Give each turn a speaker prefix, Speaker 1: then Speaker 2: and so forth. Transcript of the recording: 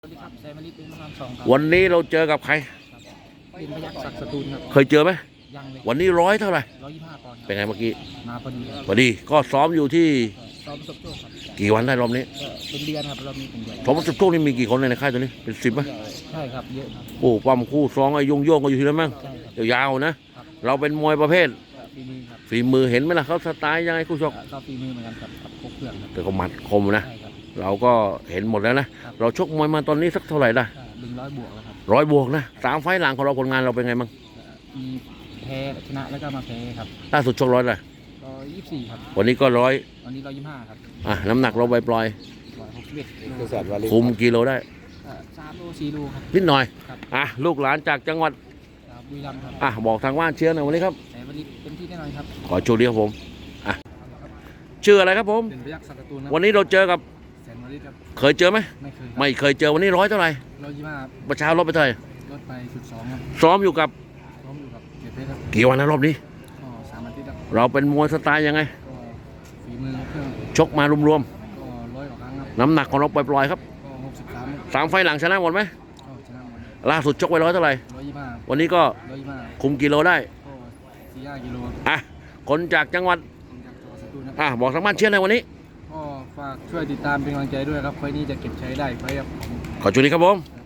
Speaker 1: สวัสดีครับแซมมาริเป็นพระรามสองครับ
Speaker 2: วันนี้เราเจอกับใคร
Speaker 1: เป็นพยัคฆ์ศักดิ์สตูลครับ
Speaker 2: เคยเจอไหม
Speaker 1: ยังเลย
Speaker 2: วันนี้เท่าไหร่
Speaker 1: 125 ปอนด์
Speaker 2: เป็นไงเมื่อกี้
Speaker 1: มาพอดี
Speaker 2: ก็ซ้อมอยู่ที่
Speaker 1: ซ้อมประสบโชคครับ
Speaker 2: กี่วันได้รอบนี้
Speaker 1: ก็เป็นเดือนครับเรามีเป็นเดือน
Speaker 2: ซ้อมประสบโชคนี่มีกี่คนในค่ายตัวนี้เป็น10ไหม
Speaker 1: ใช่ครับเยอะครับ
Speaker 2: โอ้ปั้มคู่ซ้องไอ้โยงก็อยู่ที่นั่นมั้ง
Speaker 1: ใช่ครับ
Speaker 2: ยาวๆนะครับเราเป็นมวยประเภท
Speaker 1: ฝีมือครับ
Speaker 2: ฝีมือเห็นไหมล่ะเขาสไตล์ยังไงคู่ชก
Speaker 1: ก็ฝีมือเหมือนกันกับพวกเพื่อนครับ
Speaker 2: แต่ก็หมัดคมนะ
Speaker 1: ใช่ครับ
Speaker 2: เราก็เห็นหมดแล้วนะเราชกมวยมาตอนนี้สักเท่าไหร่ได้
Speaker 1: 100 บวกแล้วครับ
Speaker 2: 100 บวกนะ3 ไฟล์หลังของเราผลงานเราเป็นไงบ้าง
Speaker 1: มีแพ้ชนะแล้วก็มาแพ้ครับ
Speaker 2: ล่าสุดชก100เลย
Speaker 1: 124ครับ
Speaker 2: วันนี้ก็
Speaker 1: วันนี้125ครับ
Speaker 2: น้ำหนักเราปล่อย
Speaker 1: 161
Speaker 2: คุมกิโลได้
Speaker 1: 3 โล 4 โลครับ
Speaker 2: นิดหน่อย
Speaker 1: ครับ
Speaker 2: ลูกหลานจากจังหวัด
Speaker 1: บุรีรัมย์ครับ
Speaker 2: บอกทางบ้านเชียร์หน่อยวันนี้ครับ
Speaker 1: แซมมาริเต็มที่แน่นอนครับ
Speaker 2: ขอโชคดีครับผมชื่ออะไรครับผม
Speaker 1: เป็นพยัคฆ์ศักดิ์สตูล
Speaker 2: วันนี้เราเจอกับ
Speaker 1: แซมมาริครับ
Speaker 2: เคยเจอไหมไม่เคยเจอวันนี้เท่าไหร่
Speaker 1: 125
Speaker 2: ประชารถไปเท่าไหร่
Speaker 1: ลดไป12ครับ
Speaker 2: ซ้อมอยู่กับ
Speaker 1: เกียรติเพชรครับ
Speaker 2: กี่วันนะรอบนี้
Speaker 1: ก็3 อาทิตย์ครับ
Speaker 2: เราเป็นมวยสไตล์ยังไง
Speaker 1: ก็ฝีมือเครื่อง
Speaker 2: ชกมารวม
Speaker 1: ก็100 กว่าครั้งครับ
Speaker 2: น้ำหนักของเราปล่อยๆครับ
Speaker 1: ก็63
Speaker 2: 3 ไฟล์หลังชนะหมดไหม
Speaker 1: ก็ชนะหมด
Speaker 2: ล่าสุดชกไว้เท่าไหร่
Speaker 1: 125
Speaker 2: วันนี้ก็
Speaker 1: 125
Speaker 2: คุมกิโลได้
Speaker 1: ก็4-5 กิโล
Speaker 2: คนจากจังหวัด
Speaker 1: จากจังหวัดสตูลครับ
Speaker 2: บอกทางบ้านเชียร์หน่อยวันนี้
Speaker 1: ก็ฝากช่วยติดตามเป็นกำลังใจด้วยครับไฟล์นี้จะเก็บใช้ได้ไฟล์ครับ
Speaker 2: ขอจุดนี้ครับผม